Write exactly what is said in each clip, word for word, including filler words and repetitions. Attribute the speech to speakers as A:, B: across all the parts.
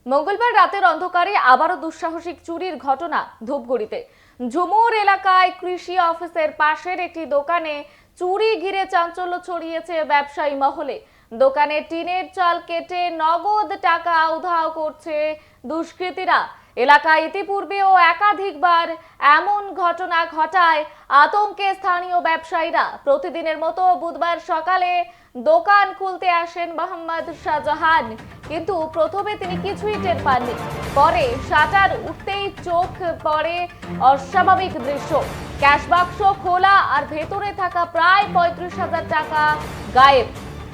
A: মঙ্গলবার রাতের অন্ধকারে আবারও দুঃসাহসিক চুরির ঘটনা ধূপগুড়িতে। ঝুমুর এলাকায় কৃষি অফিসের পাশের একটি দোকানে চুরি ঘিরে চাঞ্চল্য ছড়িয়েছে ব্যবসায়ী মহলে। দোকানে টিনের চাল কেটে নগদ টাকা উধাও করছে দুষ্কৃতীরা। এলাকায় ইতিপূর্বেও একাধিকবার এমন ঘটনা ঘটায় আতঙ্কে স্থানীয় ব্যবসায়ীরা। প্রতিদিনের মতো বুধবার সকালে দোকান খুলতে আসেন মোহাম্মদ শাহজাহান, কিন্তু প্রথমে তিনি কিছুই টের পাননি। পরে শাটার উঠতেই চোখ পড়ে অস্বাভাবিক দৃশ্য। ক্যাশ বাক্স খোলা আর ভেতরে থাকা প্রায় পঁয়ত্রিশ হাজার টাকা গায়েব।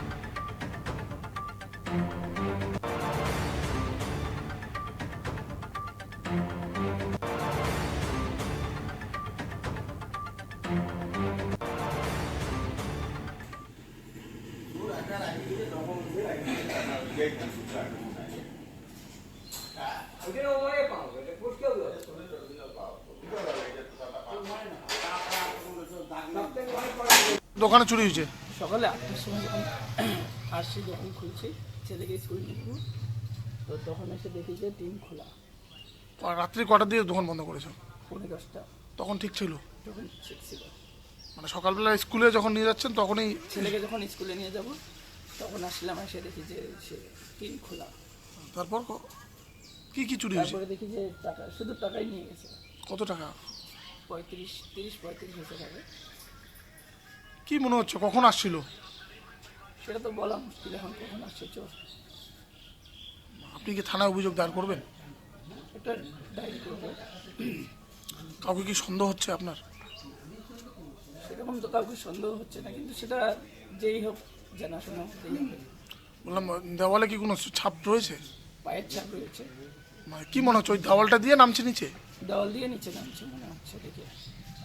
B: দোকানে চুরি হয়েছে
C: সকালে আটটার সময় যখন আসছি, দোকান খুলছি, ছেলেকে স্কুল নিয়ে যাবো, তো তখন এসে দেখি যে টিন খোলা।
B: আর রাত্রি কটার দিকে দোকান বন্ধ করেছো?
C: পৌনে দশটা।
B: তখন ঠিক ছিল?
C: তখন ঠিক ছিল।
B: মানে সকালবেলা স্কুলে যখন নিয়ে যাচ্ছেন তখনই?
C: ছেলেকে যখন স্কুলে নিয়ে যাব তখন আসলাম, এসে দেখি যে সে টিন খোলা।
B: তারপর ক- কি কি চুরি হয়েছে?
C: তারপরে দেখি যে টাকা, শুধু টাকাই নিয়ে গেছে।
B: কত টাকা?
C: পঁয়ত্রিশ তিরিশ পঁয়ত্রিশ হাজার টাকা।
B: কি মনে হচ্ছে কখন আসছিল?
C: সেটা তো বলা মুশকিল, এখন কখন আসছে চোর।
B: আপনি কি থানায় অভিযোগ দায়ের করবেন?
C: একটা ডায়েরি করবো।
B: কাউকে কি সন্দেহ হচ্ছে আপনার?
C: সেরকম তো কাউকে সন্দেহ হচ্ছে না, কিন্তু সেটা যেই হোক জানাশোনা হতেই হবে।
B: বললাম দেওয়ালে কি কোনো ছাপ রয়েছে?
C: পায়ের ছাপ রয়েছে।
B: মানে কি মনে হচ্ছে ওই দেওয়ালটা দিয়ে নামছে নিচে?
C: দেওয়াল দিয়ে নিচে নামছে মনে হচ্ছে দেখে।